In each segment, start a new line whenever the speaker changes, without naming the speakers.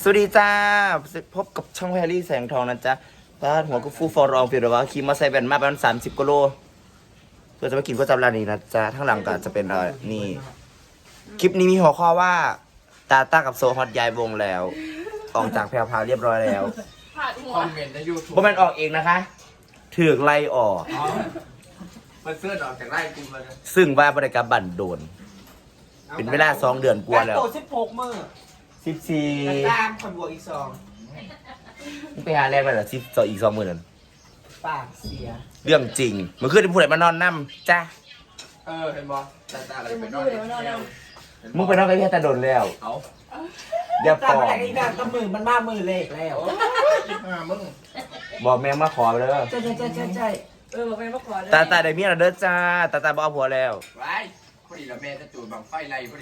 สวัสดีจ้าพบกับช่องแพรรี่แสงทองนะจ๊ะบ้านหัวกุฟูฟอรองฟิลว่าขี่มาใส่แบนมาประมาณ30กิโลเพื่อจะมากินก๋วยจั๊บร้านนี้นะจ๊ะทั้างหลังก็จะเป็นนี่คลิปนี้มีหัวข้อว่าตาต้ากับโซฮอตย้ายวงแล้ว ออกจากแพรวพราวเรียบร้อยแล้ว
คอมเมนต์ในยูทูบ
บ่แม่นออกเองนะคะถือกไล่ออก
มันเสื้อออกจากไร่กูมาเลย
ซึ่งว่าบริการบั่นโดน เป็นเวลา2 เดือนกว่าแล้ว
โต16 มื้อ
14
ตามคนบวกอีก2
ไปหาแรงไปเหรอ10อีก20,000นั่น
ปากเสีย
เรื่องจริงเมื่อคืนผู้ใดมานอนน้ำจ้า
เห็นบอตาอะไรเป็นนอนแล้ว
มึงไปนอนกับพี่ตาโดนแล้ว
เอา
เดี๋ยว
ตา
ป
ม
อ
มาก อีกแบบก็มือมันมามือเล็กแล้ว
มึง
บอกแม่มาขอไปเลย
ใช่
บอกไปมาขอเลย
ตาได้เมียแล้วเด้อจ้าตาบอกเอาผัวแล้ว
ไว้พอดีละแม่จะจูดบังไฟไรพอดี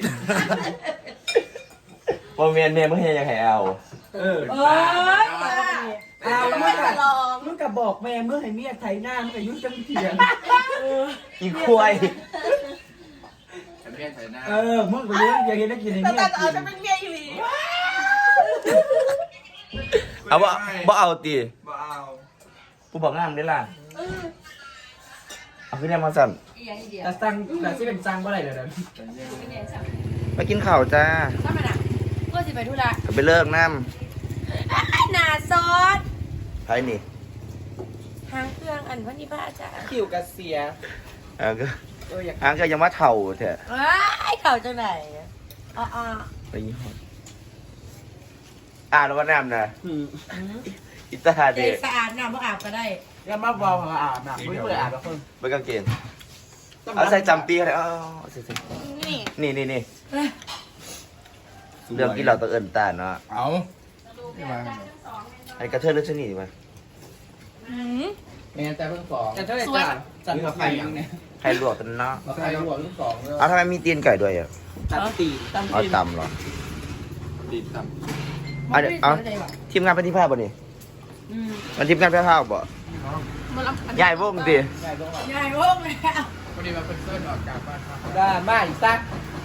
พอเมียมึงเฮียยังไงเอา
เออ
เอ้ยตา
เอา
ไม่จะลอง
มึงก็บอกแม่เมื่อให้เมียไถหน้ามึงอายุจังเถียง
อีควาย
แม่ใส่หน้า
มึงก็รู้อย่าเห็นได้กินให้
แต่
เมีย
ตาเอา
กิ
จะ
น
เป็นเมียอยู่หลี
เอาบ่เอาตี
บ้าเอา
ผู้บอกงามได้ล่ะเอาขึ้นแนมาสั่น
อีกอย่างเดียว
แต่สั่งแต่ที่เป็นสั่งเมื่อไหร่เดี๋ยวนั้น
ไม่แน่ใจ
ไปกินข้าวจ้า
ถ้ามันอ่ะเพื่อสิไปธุระ
ไปเลิกน้
หนาซอส
ำไผ่นี่
ทางเครื่องอันวันนี้พระอาจารย์
คิวกระเสีย
ก็
อยาก
ก็ยังว่าเถ่าเถอะ
ว้ายเข่าจังไหนอ๋อ
ไปยี่ห้อแล้วก็น้ำนะอิตา
ใจ
เด
สะอาดน้ำบ่อาบก็ได้
แล้วมาบอกว่าอาบน้ำไม่เปิดอาบแล้วเพิ่ง
ไปกางเกงเอาใส่จำปีอะไรใส่
นี่
นี่เรื่องที่เราต้องเอินตาเนาะ
เอา
ไอ้กระเทยเลือดชนิดมั้ย
แม่แต่เพิ่งสอง
แต่เท่าไหร่จ้าจัดมาไฟยังเนี่ย
ใครลวกกันเนาะ
มาใครหัวเพิ่งสองเลย
เอาทำไมมีตีนไก่ด้วยอ่ะ
ตัดตีตำ
เอา
ตี
ตำเหรอ
ตีต่
เอาทีมงานเป็นที่ภาพบ่นี่มันทีมงานเป็นภาพบ่ยายวงดิ
ใหญ่ตรงไหน
ใหญ่โว้งเลยอ่ะ
ำพอดีมาเป็นเสื้อออกจากบ้านครับ
ได้มาอีกสัก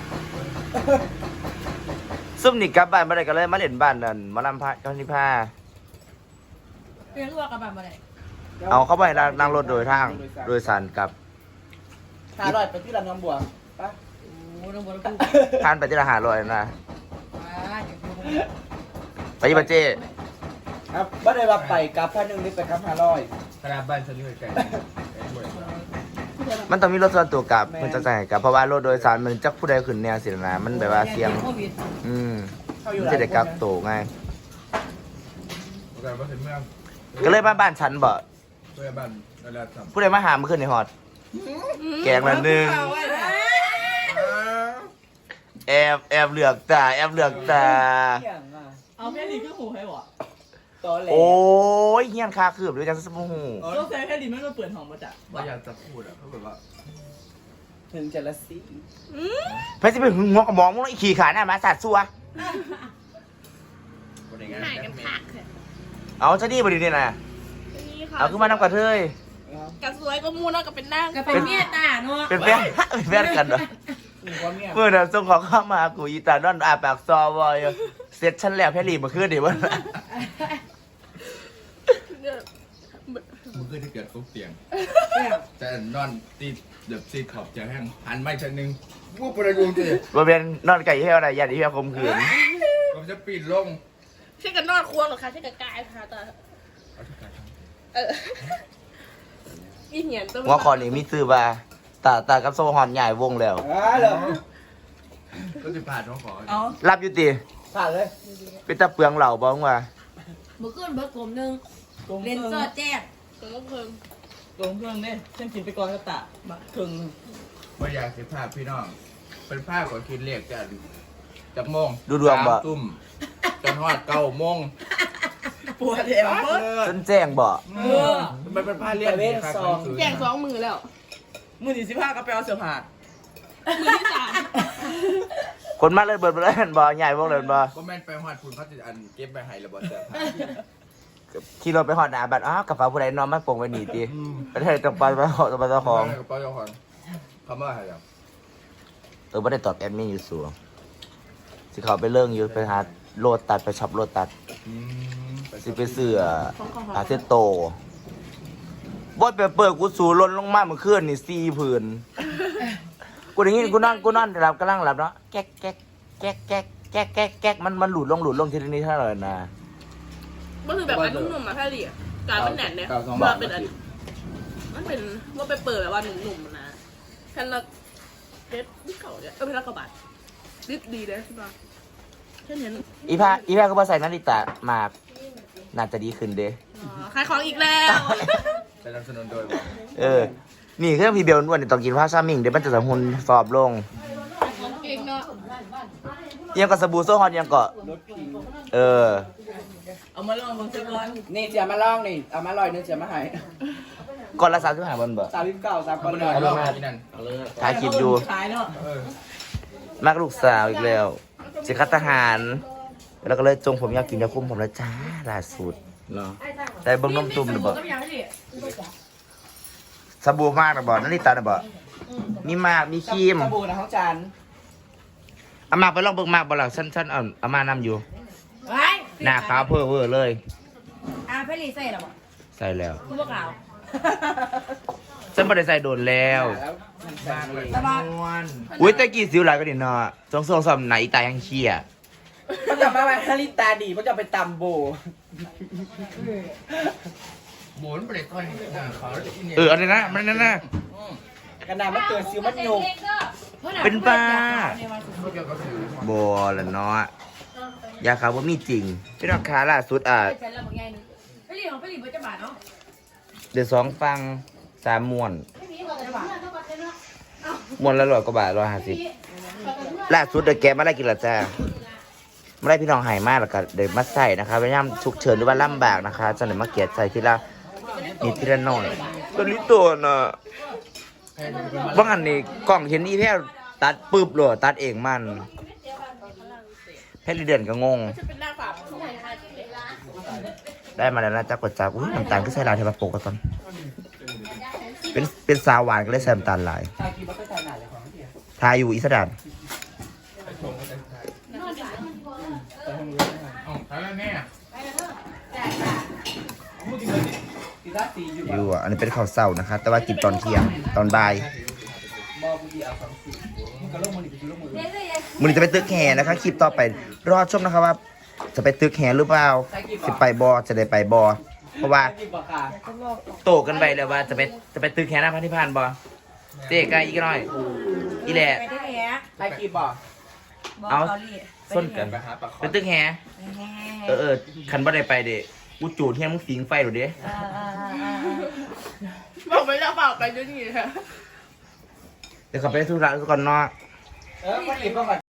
ซุ่มนี่กลับบ้านมาได้ก็เลยมาเล่นบ้านนั่นมาลำพาเจ้าที่ผ้า
เรียนรู้กับแบบอะไร
เอาเข้าไปนั่งรถโดยทางโดยสารกลับ
500ไปที่ลำน้ำบัวปะ
โอ้ต้องบอกต้อง
ผ่านไปที่ละ500นะ
ว้า
ไปยี่ปะเจ้
ครับไม่ได้ว่าไปกับพันหนึ่งนี่ไปกับ500
ขนาดบ้านฉันอยู่ไกล
มันต้องมีรถส่วนตัวกลับมันจะใส่กลับเพราะว่ารถโดยสารมันจักผู้ใดขึ้นแนวสินะมันแบบว่าเสี่ยง
โควิด
มันจะได้กลับโตง่าย
แต่ว่าถึงเมือง
ก็เลยมาบ้านฉันบ่
เพื่อบ้านเวลาทำ
ผู้ใดมาหาเมื่อคืนในฮอดแกงละหนึ่งแอบเหลือกตาแอบเหลือกตา
เอาแค่นี้ก็หูให้หวะ
ตอแหล
โอ้ยเฮี้ยนคาคืบด้วยจังสมหู
ต้องใช้แค่นี้ไม่มาเปิดห้องมาจาก
ว่าอยากจะพูดอ่ะเขาแบบว่า
ถึงจะละสี
ไปสิไปหึงหัวกระมองมึงไอ้ขี่ขาหน้ามาสัตว์ซัว
คนอย่างนั้น
หายกันพัก
เอาซะดีบ่ดีนี่นะเอาขึ้นมาน้ำกระเทย
กันสวยก็มูนแล้วก็เป็นนั่งก็เป็นเมียตาเนาะ
เป็นแฟนเป็นแฟนกันเหรอ
มีความเมีย
เมื่อนั้นส่งของเข้ามากูอีตานอนอาปากซอวอยเสร็จฉันแล้วแพรรี่มาคืนดิวะ
มึงเคยที่เกิดทุกเตียงแต่นอนตีเดือบซีขอบจะแห้งหันไม่ชั้นหนึ่งวูบประยุงสิ
บ่เป็นนอนไก่เหี้ยวอะไรยันอีเหี้ยวคมขืน
ผมจะปีนลง
ใช่กันนอนควงหรอคะใช่กันกายค่ะตาอีเหียนตัว
หัวคอนี่มีซื้อว่าตากับโซฮอนใหญ่วงแล้ว
เหรอ
ก็จะผ่านน้องขอ
เอา
รับอยู่ติ
ผ่านเลย
เป็นตาเปลืองเหล่าบ้องว่า
เมื่อคืนเบิร์กลมนึง
ตรง
เลนเซอร์แจ้งตัวก็เพิ่ม
ตรงเครื่องเนี่ยฉันกินไปก่อนก็ตะมาครึ่ง
ว่าอยากสิภาพพี่น้อง เป็นภาพของคิดเรียกกันจากโมง
ดูดวงบ่
3 ทุ่มจนฮอด9 โมง
ปวดแอวเบิด
จนแจ้งบ่
มันเป็นผ้าเรียกที่ค่าของซื้อ
แจ้ง2 มือแล้ว
มือที่15ก็ไปเอาเสื้อผ้า
มือที่3
คนมาเลยเบิดบ่เลยบ่ใหญ่วงเลยบ่
ก็แม่นไปฮอดคุณเขาจะอันเก็บไปให้ระเบิดเสื้อผ้า
ขี่รถไปฮอดหน้าบัดอ้าวกระเป๋าผู้ใดนอนมาโป่งไว้นี่ติประเทศต้องไปขอตัวเจ้าของ
กระเป๋าเจ้าของคำว่าอะไรอ่ะ
บ่ได้ตอบแอดมินอยู่สูงสิเขาไปเรื่องอยู่ไปหาโลตัดไปช็อปโลตัดสิไปซื้ออาเซโตบอยไปเปิดกูสูล้นลงมาเมื่อคืนนี่4 ผืนกูอย่างงี้กูนอนหลับกำลังหลับเนาะแก๊กแก๊กแก๊กแก๊กแก๊กแก๊กแก๊กมันหลุดลงทีนี้เท่าไหร่นะ
มันคือแบบอันนุ่มๆมาแค่ดิการเป็นแหนนเนี่ยว่าเป็นอันมันเป็นว่าไปเปิดแบบว่าหนุ่มๆนะแค่ละเพชรเก่าเนี่ยเพชรละกว่าบาทดีเลยใช่ปะแค่นี้
อีแพ้ก็มาใส่นาฬิตามาน่าจะดีขึ้นเด้
ขายของอีกแล้ว
สนับสนุนโดย
นี่เครื่องพีเบลนวดนี่ต้องกินผ้าซามิงเดี๋ยวมันจะสมหุนฟอบลง
เก่งเนาะ
ยังกับสบู่โซฮอนยังก็เออ
เอามาลองบนเซ็กร้อน
นี่เสียมาลองนี่เอามาลอยนึงเสียมาให้
ก่อนละ35 วันเบอร์
39 3
คน
ล
เดียว
อย
รอบที่นั่น
ถ่ายคลิปอยู่
ขายเนาะ
มากลูกสาวอีกแล้วสิคัดทหาร แล้วก็เลยจงผมอยากกินยาคุมผมแล้วจ้าล่าสุด
เหรอ
แต่เบิ่งนมตุ่มนะบ่สบู่มากนะบ่นาฬิตานะบ่มีมากมีครีม
สบู่นะของจาน
เอามากไปลองเบิ่งมากบ่ล่ะฉันเอามานำอยู่
ไว้
หน้าขาวเพ้อเวอร์เลย
เพลีใส่หรอ
ใส่แล้ว
คุณพวกเรา
ฉันบ่ได้ใส่โดนแล้ว
แล้วมันใส่เลย
สบาย
อุ้ยแต่กี่สิวหลายก็ดิเนาะสองสามไหนตายยังเชี่ย
มันจะมาไว้ฮาริตาดีมันจะไปตำโบ
หมุนไปเลยก้อนเขาจะอินเนี่ย
เอออะไรนะมันนั่นนะ
กระดาษมันเกิดซิวมันโยก
เป็นบ้า
เขาเกี่ยวกับสื่อ
บ่ละเนาะยาขาวบ่มีจริงพี่น้องค้าล่าสุด
ใส่แล้วบางอย่างนึงเพลีของเพลีจะบาทเนาะ
เดี๋ยว2 ฟัง3ม้วน
จะบาท
ม้วนละ100 กว่าบาท150ล่าสุดเดี๋ยวแกมาได้กินละจ้ามาได้พี่น้องหายมากแล้วก็เดี๋ยวมาใส่นะคะพยายามฉุกเฉินหรือว่าลำบากนะคะจะไหนมาเกียดใส่ทีละนิดทีละหน่อยตัวนี้ตัวน่ะบางอันนี่กล้องเห็นนี่แพ้ตัดปึ๊บเลยตัดเองมันแพ้เดือนก็งง
จะเป็นหน้าฝา
ได้มาแล้วนะจ๊ะกดจับอุ้ยน้ำตาลก็ใส่ลายเทปโปกกันตอนเป็นสาวหวานก็เลยใส่น้ำตาลลาย
ชาคีมันก็ใส่หนาเลยของเดียว
ทายอยู่อีสดาน
อ๋อแล้วแม่
กีตาร์สีอยู่
อยู่อ่ะอันนี้เป็นข้าวเศร้านะคะ แต่ว่ากินตอนเที่ยงตอนบ่าย
บอกกูดีเอา2สีมันก็ลงมือดีกูลงมือ
มือนี้จะไปตึกแห่นะคะคลิปต่อไปรอชมนะคะว่า จะไปตึกแห่หรือเปล่าสิไปบอจะได้ไปบอเพราะว่า
กีบค่ะ
โตกันไปแล้วว่าจะไปตึกแห่หน้าพระนิพพานบอเจ๊กายอีกหน่อยอีแหละ
ไปที่แห
ใครกีบบอก
เอาส้นกัน
ไปหาปลาคอ
ไปตึกแห่คันบ่ได้ไปเด้กูจูดเฮียมึงสิงไฟหรอเด้
บอกไม่ได้เปล่าไปด้วยนี่ค่ะ
เดี๋ยวเขาไปธุระก่อนเนาะ
มันกีบบอกก่อน